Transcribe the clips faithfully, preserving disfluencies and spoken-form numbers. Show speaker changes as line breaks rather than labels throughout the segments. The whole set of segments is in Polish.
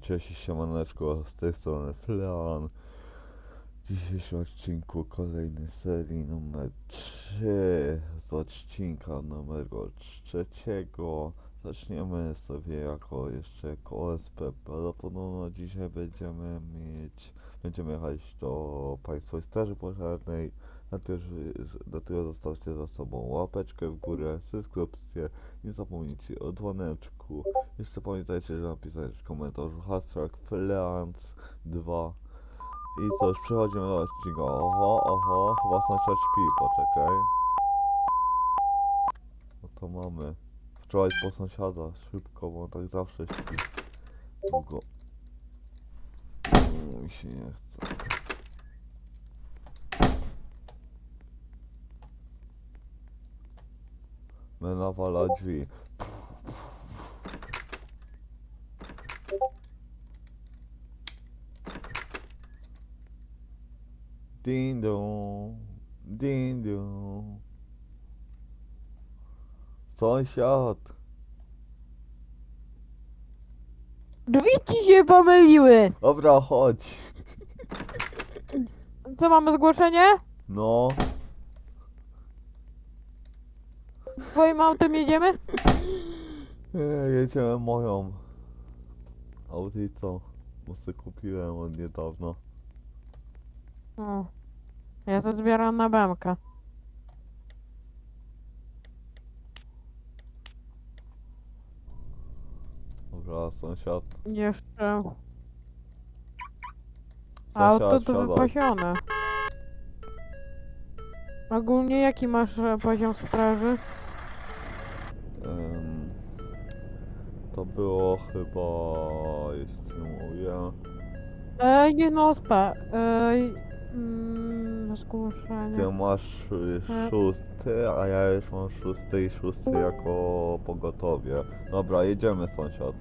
Cześć i siemaneczko, z tej strony Flean. W dzisiejszym odcinku kolejny serii numer trzy z odcinka numeru trzeciego. Zaczniemy sobie jako jeszcze jako O S P. Podobno dzisiaj będziemy mieć, będziemy jechać do Państwowej Straży Pożarnej. Dlatego zostawcie za sobą łapeczkę w górę, subskrypcję, nie zapomnijcie o dzwoneczku. Jeszcze pamiętajcie, że napisać w komentarzu hashtag Fleans dwa. I co, już przechodzimy do odcinka. Oho, oho, chyba sąsiad śpi, poczekaj. No to mamy. Wczoraj po sąsiada, szybko, bo on tak zawsze śpi. Długo. Mi się nie chce. My nawala drzwi. Ding dong, ding dong. Sąsiad.
Drzwi ci się pomyliły!
Dobra, chodź.
Co, mamy zgłoszenie?
No.
Twoim autem jedziemy?
Nie, jedziemy moją Audicą, bo sobie kupiłem od niedawno.
O. Ja to zbieram na bemkę.
Dobra, sąsiad.
Jeszcze... Auto
Sąsiad,
to
siadaj.
wypasione. Ogólnie jaki masz e, poziom straży?
Em, to było chyba, jeśli mówię,
Ej, nie no, spa. Ej, mm, zgłoszenie.
ty masz y,
E.
szósty, a ja już mam szósty i szósty jako pogotowie. Dobra, jedziemy, sąsiad.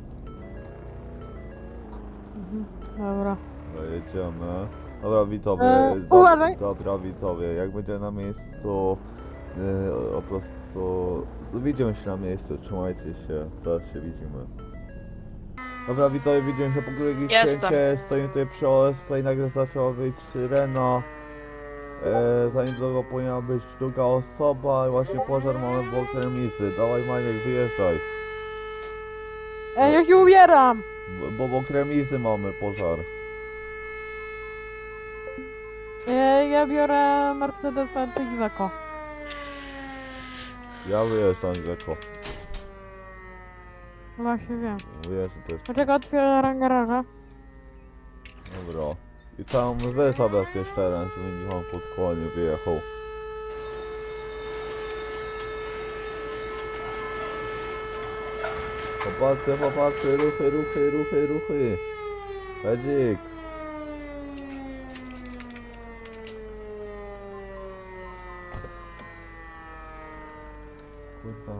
Mhm, dobra.
Dobra, jedziemy. Dobra, widzowie,
E,
do,
uważaj.
dobra, widzowie, jak będzie na miejscu, yy, po prostu widzimy się na miejscu, trzymajcie się, zaraz się widzimy. Dobra, widzowie, widzimy się po drugiej
Jestem.
święcie, stoimy tutaj przy O S P i nagle zaczęła wyjść syrena. E, za niedługo powinna być druga osoba i właśnie pożar mamy w Okremicy. Dawaj, Maniek, wyjeżdżaj,
Ej, ja się ubieram!
bo, bo w Okremicy mamy pożar.
Ej, ja biorę Mercedesa Iveco.
Ja wyjeżdżam, Grzeko.
Właśnie wiem.
Wyjeżdżam też.
Dlaczego otwieram garaża?
Dobra. I tam wy zabezpiecz teren, żeby mi on pod koło nie wyjechał. Popatrzcie, popatrzcie, ruchy, ruchy, ruchy, ruchy. Hedzik. Kurwa.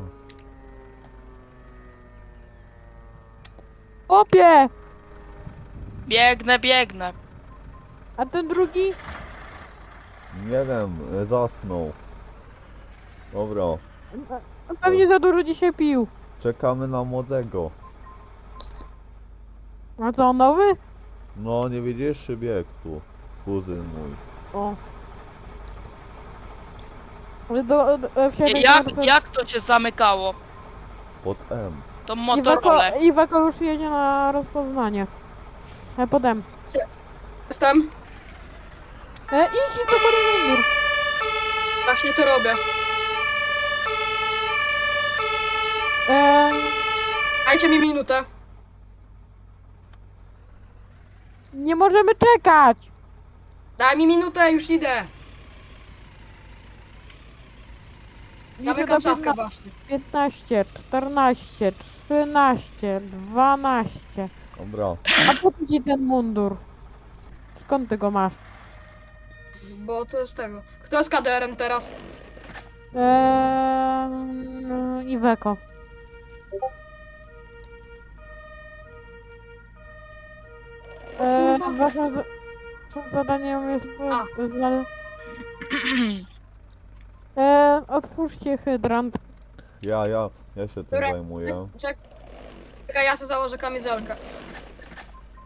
Opie!
Biegnę, biegnę.
A ten drugi?
Nie wiem, e, zasnął. Dobra,
On pewnie za dużo dzisiaj pił.
czekamy na młodego.
A co, on nowy?
No, nie widzisz, przybiegł tu. Kuzyn mój.
O. Do, do, wsiadaj
Jak,
na-
jak to się zamykało?
Pod M.
To
Iweko,
Motorola.
Iweko już jedzie na rozpoznanie. E, podem.
Jestem.
E, idź do mundur.
Właśnie to robię.
E,
Dajcie mi minutę.
nie możemy czekać.
Daj mi minutę, już idę.
Liczę
Zamykam
do
szafkę
piętna-
właśnie.
piętnaście, czternaście, trzynaście, dwanaście.
Dobra.
A po co ci ten mundur? Skąd ty go masz?
Bo to jest tego. Kto jest K D R-em teraz?
Eee, Iweko. Eee, waszym za- waszym zadaniem jest...
A.
Zna... Eee, otwórzcie hydrant.
Ja, ja, ja się tym
Dobra.
zajmuję.
Czek- Czekaj, ja sobie założę kamizelkę.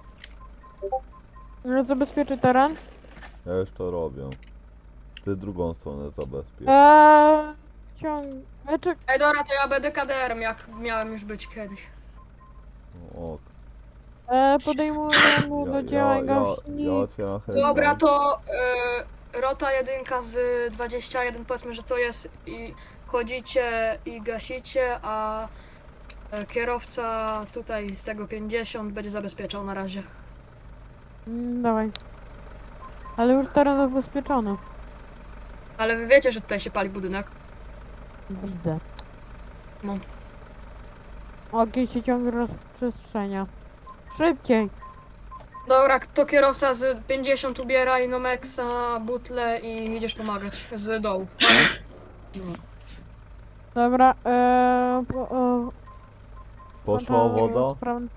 No, zabezpieczy teren.
Ja już to robię. Ty drugą stronę zabezpiecz.
Eee, ciąg... E, czek...
Ej, dobra, to ja będę K D R-em, jak miałem już być kiedyś.
O,
eee, podejmujemy
ja,
do
ja,
działań
ja, ja
gaśnic.
otwieram headline.
Dobra, to y, rota jedynka z dwadzieścia jeden, powiedzmy, że to jest i chodzicie i gasicie, a e, kierowca tutaj z tego pięćdziesiąt będzie zabezpieczał na razie.
Mm, dawaj. Ale już teren zabezpieczony.
Ale wy wiecie, że tutaj się pali budynek.
Widzę.
No.
Ogień się ciągle rozprzestrzenia. Szybciej!
Dobra, to kierowca z pięćdziesiąt ubiera Inomexa, butle i idziesz pomagać z dołu. No.
Dobra, eee, po, e,
Poszła
włączam
woda?
spraw-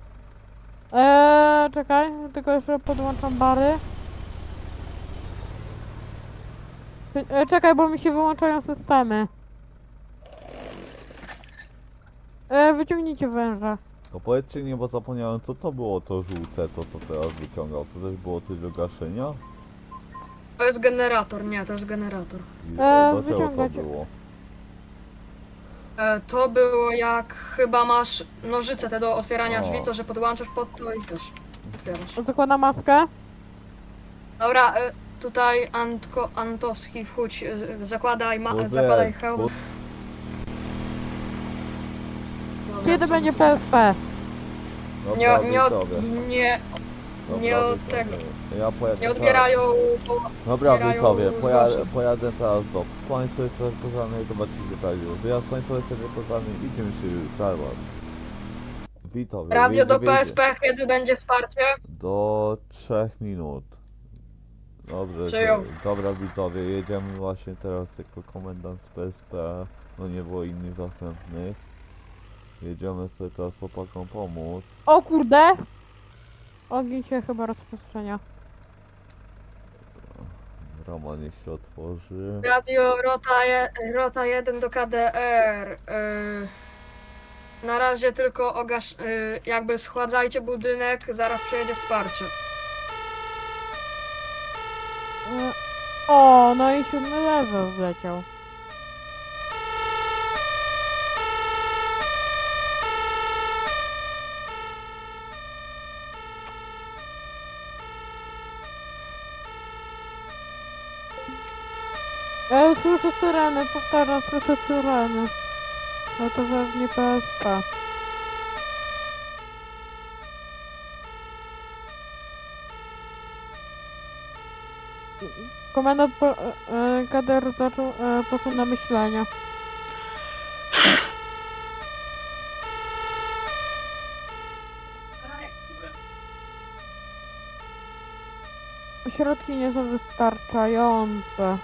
Eee, czekaj, tylko jeszcze podłączam bary. Cze- E, czekaj, bo mi się wyłączają systemy. E, wyciągnijcie węża.
No powiedzcie mi, bo zapomniałem, co to było to żółte, to co teraz wyciągał. To też było coś do gaszenia?
To jest generator, nie, to jest generator.
I
E,
dlaczego to
wyciągać.
było?
E, to było jak chyba masz nożyce te do otwierania
O.
drzwi, to że podłączasz pod to i wiesz, otwierasz.
Zakładam maskę.
Dobra, e, tutaj Antko, Antowski wchódź, e, zakładaj, ma,
Kurde,
zakładaj hełm.
kurde.
Dobra,
Kiedy
co-
będzie P S P?
Dobra,
Nie, nie, od,
widzowie.
nie,
Dobra,
nie od
widzowie.
tego.
Ja pojadę
nie
teraz-
odbierają po,
Dobra
odbierają
widzowie, pojadę,
zgłoszeń.
pojadę teraz do Państwa jest pożarnej i zobaczycie tak już. Wyjazd Państwa jest pożarnej, idziemy się już zaraz. Widzowie,
radio do
wyjdzie-
P S P, kiedy będzie wsparcie.
Do trzech minut. Dobrze,
Przyjął.
że- dobra widzowie, jedziemy właśnie teraz jako komendant z P S P. No nie było innych zastępnych. Jedziemy sobie teraz chłopakom pomóc.
O kurde! Ogień się chyba rozprzestrzenia.
Rama niech się otworzy.
Radio Rota, je, Rota jeden do K D R. Yy, na razie tylko ogasz, yy, jakby schładzajcie budynek, zaraz przyjedzie wsparcie.
E, o, no i siódmy level wleciał. E, słyszę syreny, powtarzam, słyszę syreny. Ale to pewnie P S P. Komendant po, e, e, K D R zaczął, e, poszedł na myślenia. Środki nie są wystarczające.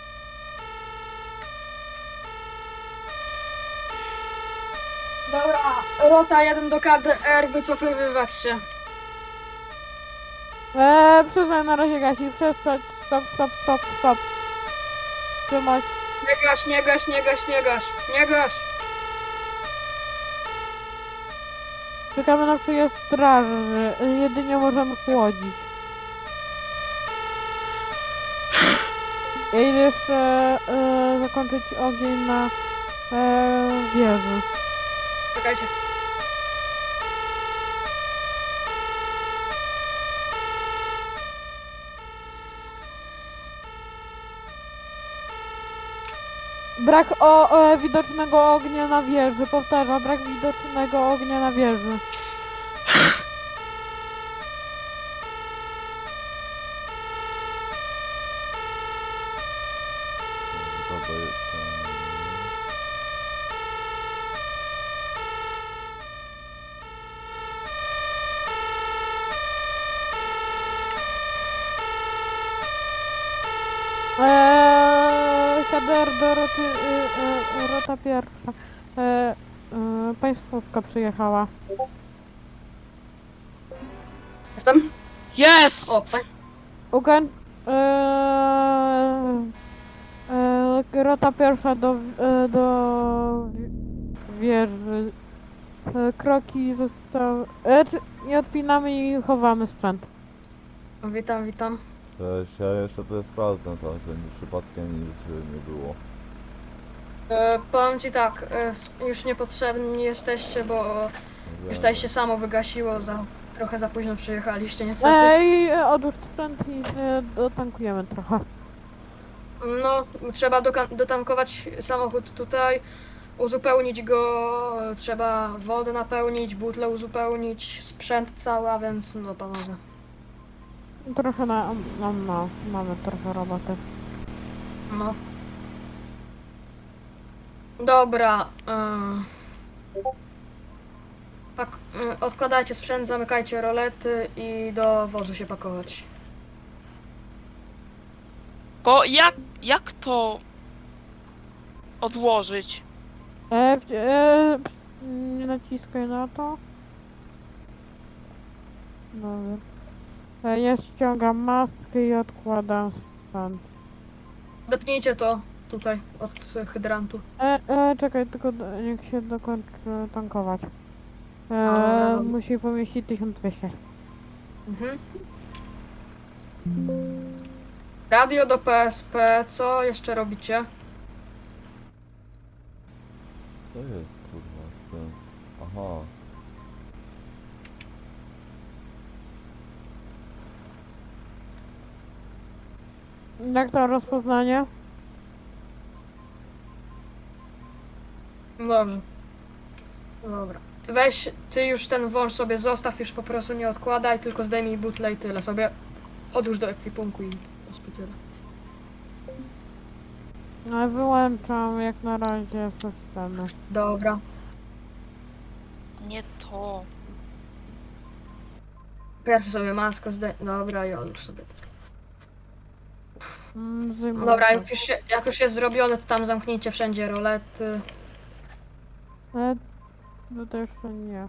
Dobra, Rota jeden do K D R, wycofywywać się.
Eee, przyznaj na razie gasi, przestać, stop, stop, stop, stop. Trzymać.
Nie gaś, nie gaś, nie gaś, nie gaś, nie gaś.
Czekamy na przyjazd straży, jedynie możemy chłodzić. I jeszcze e, zakończyć ogień na e, wieży.
Czekajcie.
Brak o, e, widocznego ognia na wieży, powtarzam, brak widocznego ognia na wieży.
To to jest, em,
Eee, K D R do roty, y, y, rota pierwsza. Eee, y, państwówka przyjechała.
Jestem?
Jest!
O, tak.
Ukoń... Eee, eee, rota pierwsza do, e, do wi- wieży. E, kroki zostały... E, czy- nie odpinamy i chowamy sprzęt.
Witam, witam.
Cześć, ja jeszcze to sprawdzę to, że nie, przypadkiem nic nie było.
E, powiem ci tak, e, s- już niepotrzebni jesteście, bo już tutaj się samo wygasiło, za, trochę za późno przyjechaliście niestety.
Ej, e, odłóż sprzęt i e, dotankujemy trochę.
No, trzeba doka- dotankować samochód tutaj, uzupełnić go, trzeba wodę napełnić, butlę uzupełnić, sprzęt cały, a więc no panowie.
Trochę na, no, no, mamy trochę roboty.
No. Dobra. y, Pak- y, odkładajcie sprzęt, zamykajcie rolety i do wozu się pakować.
Ko jak, jak to odłożyć?
E, w- e, nie naciskaj na to. Dobra. E, ja ściągam maskę i odkładam sprzęt.
Depnijcie to tutaj od y, hydrantu.
E, e, czekaj, tylko do, niech się dokończy tankować. E,
Dobra, dobra.
musi pomieścić tysiąc dwieście.
Mhm. Radio do P S P, co jeszcze robicie?
Co jest kurwa z tym? Aha.
Jak to rozpoznanie?
Dobrze. Dobra. Weź, ty już ten wąż sobie zostaw, już po prostu nie odkładaj, tylko zdejmij butlę i tyle sobie. Odłóż do ekwipunku i po tyle.
No, wyłączam jak na razie systemy.
Dobra.
Nie to.
Pierwszy sobie maskę zdejmij. Dobra, i odłóż sobie.
Mm, zdejmuję
Dobra,
to.
jak już, się, jak już jest zrobione, to tam zamknijcie wszędzie rolety.
E, no to jeszcze nie.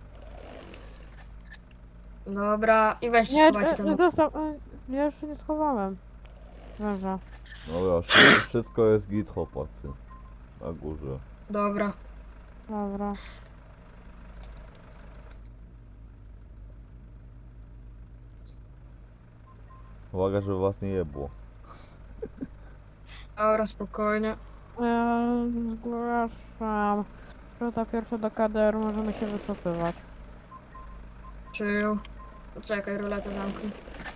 Dobra, i weźcie,
Nie,
schowajcie
e,
ten...
zostaw, e, ja jeszcze nie schowałem. Leża.
Dobra, wszy- wszystko jest git chłopacy. Na górze.
Dobra.
Dobra.
Uwaga, żeby was nie jebło.
Dobra, spokojnie.
E, zgłaszam. Rota pierwsza do K D R, możemy się wycofywać.
Przyjął. Czekaj, roletę zamknij.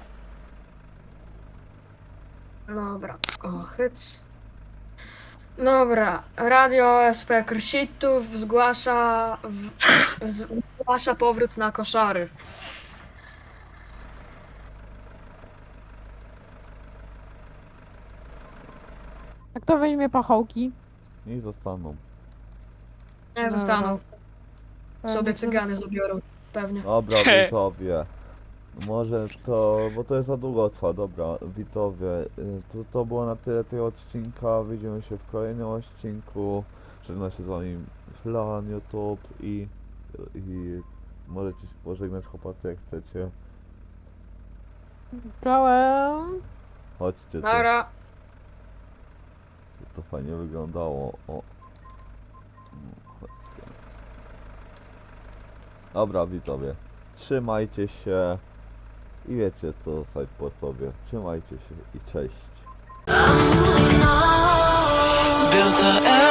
Dobra, o, hyc. Dobra, radio S P Krsitów zgłasza, w, z, zgłasza powrót na koszary.
A kto weźmie pachołki?
I zostaną.
Nie
Dobra.
zostaną,
E,
sobie
nie-
cygany zabiorą, pewnie.
Dobra, widzowie. Może to, bo to jest za długo trwa, dobra, widzowie, y, to, to było na tyle tego odcinka, widzimy się w kolejnym odcinku, żegna się z wami Flan, YouTube i, i możecie się pożegnać chłopacy jak chcecie,
Czołem.
chodźcie tu,
Dobra,
to fajnie wyglądało, o, No, chodźcie. Dobra widzowie, trzymajcie się i wiecie co zostać po sobie, trzymajcie się i cześć.
Built a